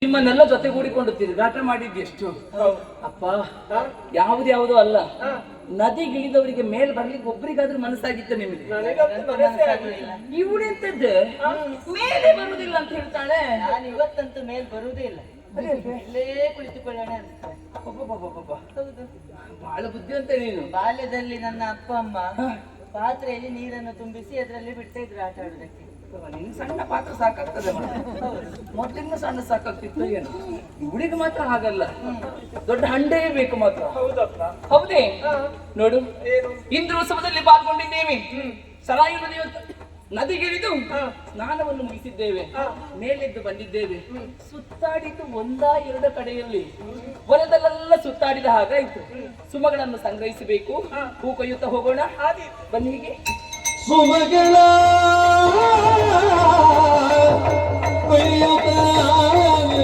ನಿಮ್ಮನ್ನೆಲ್ಲ ಜೊತೆಗೂಡಿಕೊಂಡು ತಿರುಗಾಟ ಮಾಡಿದ್ದೆಷ್ಟು ಅಪ್ಪ. ಯಾವುದ್ಯಾವುದೋ ಅಲ್ಲ, ನದಿಗಿಳಿದವರಿಗೆ ಮೇಲ್ ಬರ್ಲಿಕ್ಕೆ ಒಬ್ರಿಗಾದ್ರೂ ಮನಸ್ಸಾಗಿತ್ತು ನಿಮಗೆ? ಇವಳೆಂತದ್ದೆ ಮೇಲೆ ಬರುವುದಿಲ್ಲ ಅಂತ ಹೇಳ್ತಾಳೆ. ನಾನು ಇವತ್ತಂತೂ ಮೇಲ್ ಬರುವುದೇ ಇಲ್ಲ, ಇಲ್ಲೇ ಕುಳಿತುಕೊಳ್ಳೋಣ ಅನ್ಸ್ತೇನೆ. ಹೌದು, ಬಹಳ ಬುದ್ಧಿ ಅಂತ ನೀನು. ಬಾಲ್ಯದಲ್ಲಿ ನನ್ನ ಅಪ್ಪ ಅಮ್ಮ ಪಾತ್ರೆಯಲ್ಲಿ ನೀರನ್ನು ತುಂಬಿಸಿ ಅದರಲ್ಲಿ ಬಿಡ್ತಾ ಇದ್ರು ಆಟ ಆಡುದಕ್ಕೆ. ನಿನ್ ಸಣ್ಣ ಪಾತ್ರ ಸಾಕಾಗ್ತದೆ, ಮೊದಲಿನ ಸಣ್ಣ ಸಾಕಾಗ್ತಿತ್ತು ಏನು? ಹುಡುಗ ಮಾತ್ರ ಹಾಗಲ್ಲ, ದೊಡ್ಡ ಹಂಡೇ ಬೇಕು ಮಾತ್ರ. ಹೌದೇ? ನೋಡು, ಇಂದ್ರ ಉತ್ಸವದಲ್ಲಿ ಪಾಲ್ಗೊಂಡಿದ್ದೇವೆ. ಸರಾಯಿ ನದಿಗಿಳಿದು ಸ್ನಾನವನ್ನು ಮುಗಿಸಿದ್ದೇವೆ, ಮೇಲೆದ್ದು ಬಂದಿದ್ದೇವೆ. ಸುತ್ತಾಡಿದ್ದು ಒಂದ ಕಡೆಯಲ್ಲಿ, ಹೊಲದಲ್ಲೆಲ್ಲ ಸುತ್ತಾಡಿದ ಹಾಗಾಯ್ತು. ಸುಮಗಳನ್ನು ಸಂಗ್ರಹಿಸಬೇಕು, ಹೂ ಕೊಯ್ಯುತ್ತಾ ಹೋಗೋಣ. ಬನ್ನಿ, ಹೀಗೆ ಸುಮಗಳ